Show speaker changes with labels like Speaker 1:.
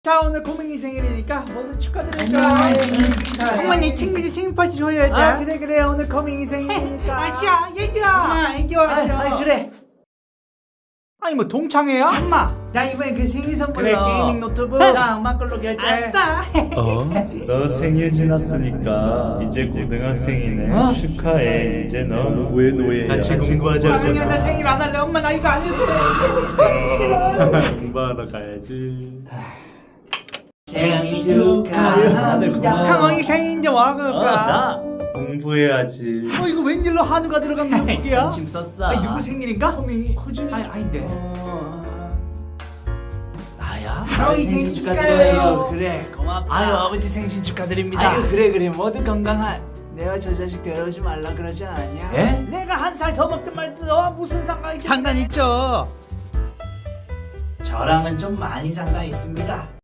Speaker 1: 자, 오늘 고민이 생일이니까 모두 축하드려요. 어머니 생일 파티 줘야지. 아, 그래 오늘 고민이 생일이니까. 야 얘들아, 애기 왔어. 그래. 아니 뭐 동창회야? 엄마, 야 이번엔 그 생일 선물로 그래, 게이밍 노트북. 나 엄마 걸로 결제. 아싸.
Speaker 2: 너 생일 지났으니까 이제 고등학생이네. 축하해. 이제 너 노예야. 같이 공부하자.
Speaker 1: 아니야, 나 생일 안 할래. 엄마 나 이거 안 해도 돼. 싫어.
Speaker 2: 공부하러 가야지.
Speaker 1: 생일 축하합니다. 강원이 생일인데 와 그럴까?
Speaker 2: 공부해야지.
Speaker 1: 이거 웬일로 한우가 들어간 노트북이야?
Speaker 3: 짐 썼어.
Speaker 1: 아니 누구 생일인가? 호밍이. 아닌데.
Speaker 3: 나야?
Speaker 1: 아버지 생신 축하드려요.
Speaker 3: 그래, 고맙다.
Speaker 1: 아유 아버지 생신 축하드립니다.
Speaker 3: 아유, 그래 모두 건강한. 내가 저 자식 데려오지 말라 그러지 않았냐?
Speaker 1: 예? 내가 한 살 더 먹든 말든 너와 무슨 상관이 상관 있죠.
Speaker 3: 저랑은 좀 많이 상관 있습니다.